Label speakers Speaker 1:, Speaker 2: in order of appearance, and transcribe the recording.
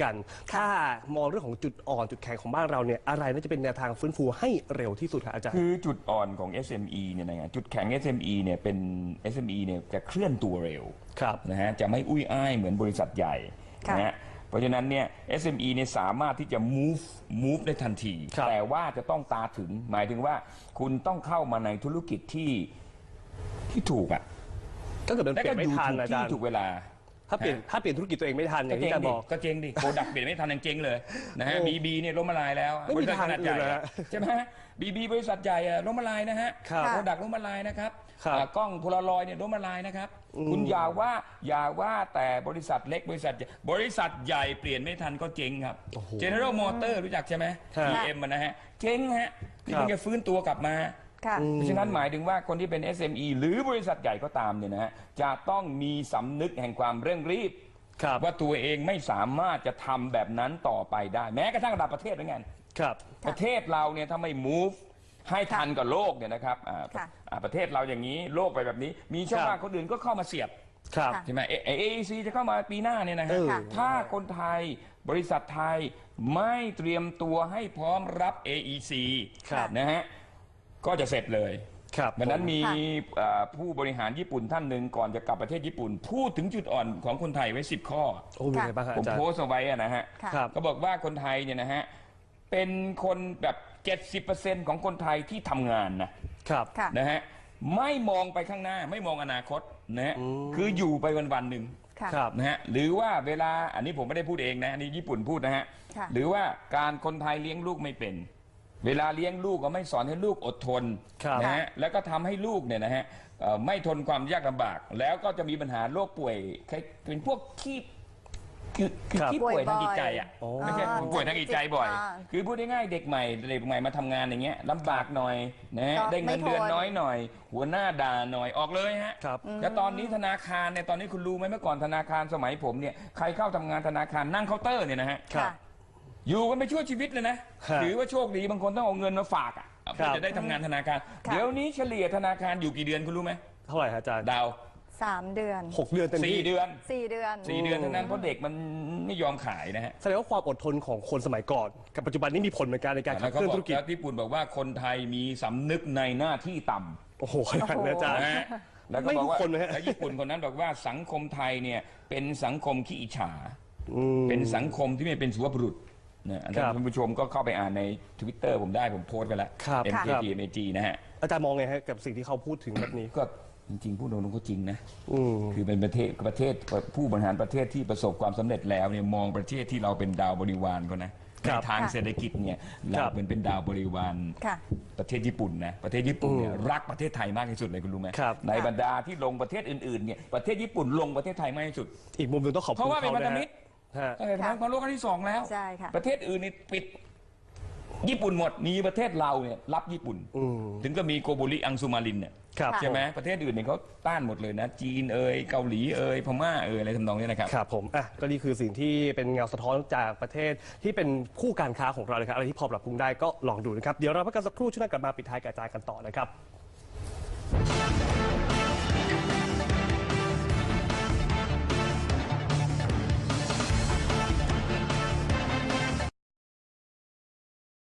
Speaker 1: กันถ้ามองเรื่องของจุดอ่อนจุดแข็งของบ้านเราเนี่ยอะไรน่าจะเป็นแนวทางฟื้นฟูให้เร็วที่สุดครับอาจารย์
Speaker 2: คือจุดอ่อนของ SME เนี่ยนะจุดแข็ง SME เนี่ยเป็น SME เนี่ยจะเคลื่อนตัวเร็วนะฮะจะไม่อุ้ยอ้ายเหมือนบริษัทใหญ่นะฮะเพราะฉะนั้นเนี่ย SME เนี่ยสามารถที่จะ move ได้ทันทีแต่ว่าจะต้องตาถึงหมายถึงว่าคุณต้องเข้ามาในธุรกิจที่ถูกอ่ะ
Speaker 1: ก็เกิดเป็นเปลี่ยนไม่ทันอาจารย์
Speaker 2: ถูกเวลา
Speaker 1: ถ้าเปลี่ยนธุรกิจตัวเองไม่ทันอย่างที่อาจารย์บอก
Speaker 2: ก็เจ๊งดิโปรดักต์เปลี่ยนไม่ทันยังเจ๊งเลยนะฮะบีเนี่ยล้มละลายแล้ว
Speaker 1: บริษัทขนาดใหญ่
Speaker 2: ใช่ไหมบีบริษัทใหญ่ล้มละลายนะฮะโปรดักต์ล้มละลายนะครับกล้องโพลารอยด์เนี่ยล้มละลายนะครับคุณอย่าว่าแต่บริษัทเล็กบริษัทใหญ่เปลี่ยนไม่ทันก็เจ๊งครับ General Motor รู้จักใช่ไหม GM นะฮะเจ๊งฮะนี่เพิ่งจะฟื้นตัวกลับมาเพราะฉะนั้นหมายถึงว่าคนที่เป็น SME หรือบริษัทใหญ่ก็ตามเนี่ยนะฮะจะต้องมีสำนึกแห่งความเร่งรีบว่าตัวเองไม่สามารถจะทำแบบนั้นต่อไปได้แม้กระทั่งระดับประเทศเหมือนกันประเทศเราเนี่ยถ้าไม่ move ให้ทันกับโลกเนี่ยนะครับประเทศเราอย่างนี้โลกไปแบบนี้มีช่องว่างคนอื่นก็เข้ามาเสียบใช่ไหมAEC จะเข้ามาปีหน้าเนี่ยนะฮะถ้าคนไทยบริษัทไทยไม่เตรียมตัวให้พร้อมรับ AEC นะฮะก็จะเสร็จเลยวันนั้นมีผู้บริหารญี่ปุ่นท่านหนึ่งก่อนจะกลับประเทศญี่ปุ่นพูดถึงจุดอ่อนของคนไทยไว้10 ข้อผมโพสต์เอาไว้นะฮะก็บอกว่าคนไทยเนี่ยนะฮะเป็นคนแบบ 70% ของคนไทยที่ทำงานนะฮะไม่มองไปข้างหน้าไม่มองอนาคตนะฮะคืออยู่ไปวันหนึ่งนะฮะหรือว่าเวลาอันนี้ผมไม่ได้พูดเองนะอันนี้ญี่ปุ่นพูดนะฮะหรือว่าการคนไทยเลี้ยงลูกไม่เป็นเวลาเลี้ยงลูกก็ไม่สอนให้ลูกอดทนนะฮะแล้วก็ทำให้ลูกเนี่ยนะฮะไม่ทนความยากลำบากแล้วก็จะมีปัญหาโรคป่วยเป็นพวกขี้ป่วยทางจิตใจอ่ะไม่ใช่ป่วยทางจิตใจบ่อยคือพูดง่ายๆเด็กใหม่มาทำงานอย่างเงี้ยลำบากหน่อยนะได้เงินเดือนน้อยหน่อยหัวหน้าด่าหน่อยออกเลยฮะแล้วตอนนี้ธนาคารเนี่ยตอนนี้คุณรู้ไหมเมื่อก่อนธนาคารสมัยผมเนี่ยใครเข้าทำงานธนาคารนั่งเคาน์เตอร์เนี่ยนะฮะอยู่กันไปชั่วชีวิตเลยนะหรือว่าโชคดีบางคนต้องเอาเงินมาฝากอ่ะเพื่อจะได้ทำงานธนาคารเดี๋ยวนี้เฉลี่ยธนาคารอยู่กี่เดือนคุณรู้ไหม
Speaker 1: เท่าไหร่อาจารย์
Speaker 2: ดาว
Speaker 3: 3 เดือน
Speaker 1: 6 เดือนเต็มที่
Speaker 3: 4 เดือน
Speaker 2: เท่านั้นเพราะเด็กมันไม่ยอมขายนะฮะ
Speaker 1: แสดงว่าความอดทนของคนสมัยก่อนกับปัจจุบันนี้มีผลเหมือนกันในการขับเคลื่อนธุรกิจ
Speaker 2: ญี่ปุ่นบอกว่าคนไทยมีสำนึกในหน้าที่ต่ำ
Speaker 1: โอ้โหขนาดนั้นอาจารย์
Speaker 2: แล้วก็บอกว่าแล้วญี่ปุ่นคนนั้นบอกว่าสังคมไทยเนี่ยเป็นสังคมขี้อิจฉาเป็นสังคมที่ไม่เป็นสุภาพบุรุษนะท่านผู้ชมก็เข้าไปอ่านใน Twitter ผมได้ผมโพสต์ไปแล้ว MKTMAG นะฮะ
Speaker 1: อาจารย์มองไงฮะกับสิ่งที่เขาพูดถึงแบบนี้
Speaker 2: ก็จริงๆพูดตรงๆก็จริงนะคือเป็นประเทศผู้บริหารประเทศที่ประสบความสำเร็จแล้วเนี่ยมองประเทศที่เราเป็นดาวบริวารก็นะในทางเศรษฐกิจเนี่ยเราเป็นดาวบริวารประเทศญี่ปุ่นนะประเทศญี่ปุ่นเนี่ยรักประเทศไทยมากที่สุดเลยคุณรู้ไหมในบรรดาที่ลงประเทศอื่นๆเนี่ยประเทศญี่ปุ่นลงประเทศไทยมากที่สุด
Speaker 1: อีกมุมหนึ่งต้องขอบคุณ
Speaker 2: เพราะว่าเป็นพันธมิตรของโลกครั้งที่2แล้วประเทศอื่นนี่ปิดญี่ปุ่นหมดมีประเทศเราเนี่ยรับญี่ปุ่นถึงก็มีโกโบริอังซูมารินเนี่ยใช่ไหมประเทศอื่นเนี่ยเขาต้านหมดเลยนะจีนเกาหลีพม่าอะไรทำนองนี้นะครับ
Speaker 1: ครับผมก็นี่คือสิ่งที่เป็นเงาสะท้อนจากประเทศที่เป็นคู่การค้าของเราเลยครับอะไรที่พอปรับปรุงได้ก็ลองดูนะครับเดี๋ยวเราพักกันสักครู่ช่วงหน้ากลับมาปิดท้ายกระจายกันต่อนะครับ